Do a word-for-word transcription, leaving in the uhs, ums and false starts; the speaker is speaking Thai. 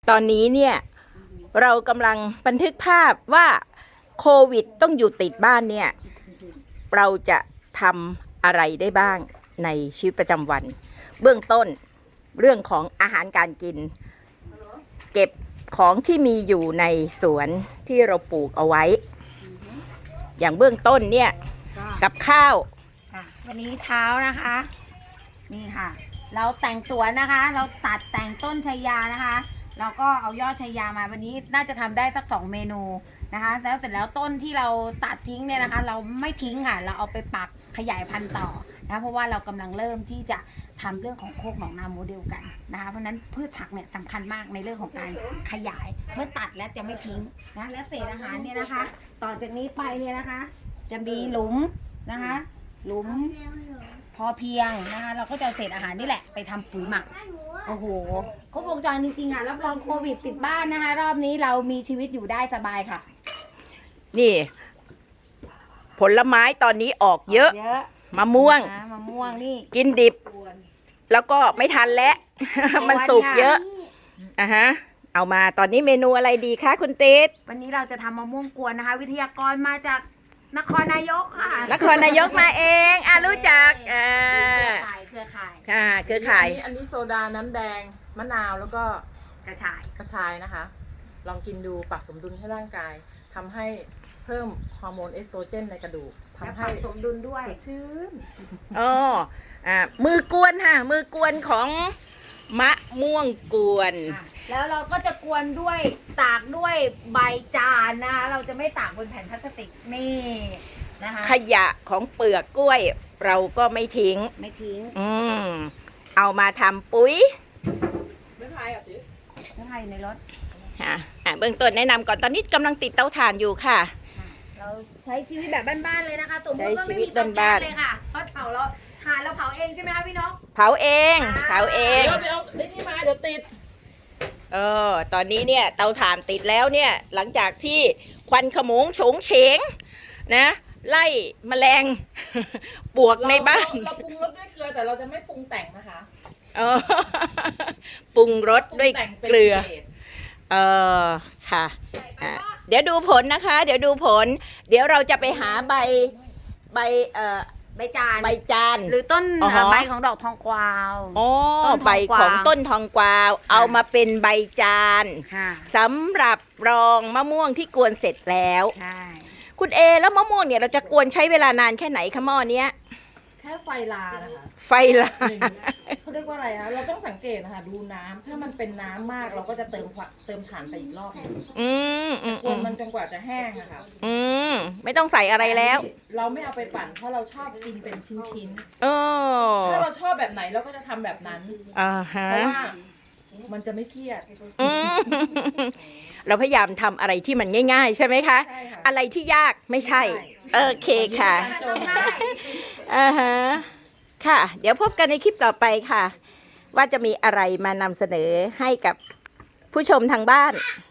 ตอนนี้เนี่ยเรากำลังบันทึกภาพว่าโควิดต้องอยู่ติดบ้านเนี่ยเราจะทำอะไรได้บ้างในชีวิตประจำวันเบื้องต้นเรื่องของอาหารการกินเก็บของที่มีอยู่ในสวนที่เราปลูกเอาไว้อย่างเบื้องต้นเนี่ยกับข้าววันนี้เช้านะคะนี่ค่ะเราแต่งสวนนะคะเราตัดแต่งต้นชัยยานะคะเราก็เอายอดชัยยามาวันนี้น่าจะทำได้สักสองเมนูนะคะแล้วเสร็จแล้วต้นที่เราตัดทิ้งเนี่ยนะคะเราไม่ทิ้งค่ะเราเอาไปปักขยายพันธุ์ต่อนะเพราะว่าเรากำลังเริ่มที่จะทำเรื่องของโคกหนองนาโมเดลกันนะคะเพราะนั้นพืชผักเนี่ยสำคัญมากในเรื่องของการขยายเมื่อตัดแล้วจะไม่ทิ้งนะและเศษอาหารเนี่ยนะคะต่อจากนี้ไปเนี่ยนะคะจะมีหลุมนะคะหลุมพอเพียงนะคะเราก็จะเศษอาหารนี่แหละไปทำปุ๋ยหมักโอ้โหครบวงจรจริงๆอ่ะรับรองโควิดปิดบ้านนะคะรอบนี้เรามีชีวิตอยู่ได้สบายค่ะนี่ผลไม้ตอนนี้ออกเยอะมะม่วงมะม่วงนี่กินดิบแล้วก็ไม่ทันแล้วมันสุกเยอะอ่ะฮะเอามาตอนนี้เมนูอะไรดีคะคุณติ๊ดวันนี้เราจะทำมะม่วงกวนนะคะวิทยากรมาจากนครนายกค่ะนครนายกมาเองอ่ะรู้จักอ่าเครือข่ายค่ะเครือข่ายอันนี้โซดาน้ำแดงมะนาวแล้วก็กระชายกระชายนะคะลองกินดูปรับสมดุลให้ร่างกายทำให้เพิ่มฮอร์โมนเอสโตรเจนในกระดูกทำให้สมดุลด้วยสดชื่นอ๋ออ่ามือกวนค่ะมือกวนของมะม่วงกวนแล้วเราก็จะกวนด้วยตากด้วยใบจานนะคะเราจะไม่ตากบนแผ่นพลาสติกนี่นะคะขยะของเปลือกกล้วยเราก็ไม่ทิ้งไม่ทิ้งอืมเอามาทำปุ๋ยไม่พายอ่ะสิไม่พายในรถค่ะอ่าเบื้องต้นแนะนำก่อนตอนนี้กำลังติดเตาถ่านอยู่ค่ะเราใช้ชีวิตแบบบ้านๆเลยนะคะสมมติว่าไม่มีเตาแก๊สเลยค่ะเพราะเผาเราถ่านเราเผาเองใช่ไหมคะพี่นกเผาเองเผาเองเดี๋ยวเดี๋ยวได้นี่มาเดี๋ยวติดเออตอนนี้เนี่ยเตาถ่านติดแล้วเนี่ยหลังจากที่ควันขโมงโฉงเฉงนะไล่แมลงปวกในบ้านเราปรุงรสด้วยเกลือแต่เราจะไม่ปรุงแต่งนะคะเออปรุงรสด้วยเกลือเออค่ะเดี๋ยวดูผลนะคะเดี๋ยวดูผลเดี๋ยวเราจะไปหาใบใบเอ่อใบจานใบจานหรือต้นใบของดอกทองกวาวอ๋อใบของต้นทองกวาวเอามาเป็นใบจานสำหรับรองมะม่วงที่กวนเสร็จแล้วคุณเอแล้วมะม่วงเนี่ยเราจะกวนใช้เวลานานแค่ไหนคะหม้อเนี้ยแค่ไฟลานะคะไฟลาเขาเรียกว่าอะไรคะเราต้องสังเกตนะคะดูน้ำถ้ามันเป็นน้ำมากเราก็จะเติมเติมถ่านไปอีกรอบนึงอืมอืมกวนมันจนกว่าจะแห้งอะค่ะอืมไม่ต้องใส่อะไรแล้วเราไม่เอาไปปั่นเพราะเราชอบกินเป็นชิ้นๆเออถ้าเราชอบแบบไหนเราก็จะทำแบบนั้นอ่าฮะเพราะว่ามันจะไม่เครียดเราพยายามทำอะไรที่มันง่ายๆใช่ไหมคะอะไรที่ยากไม่ใช่โอเคค่ะอ่าฮะค่ะเดี๋ยวพบกันในคลิปต่อไปค่ะว่าจะมีอะไรมานำเสนอให้กับผู้ชมทางบ้าน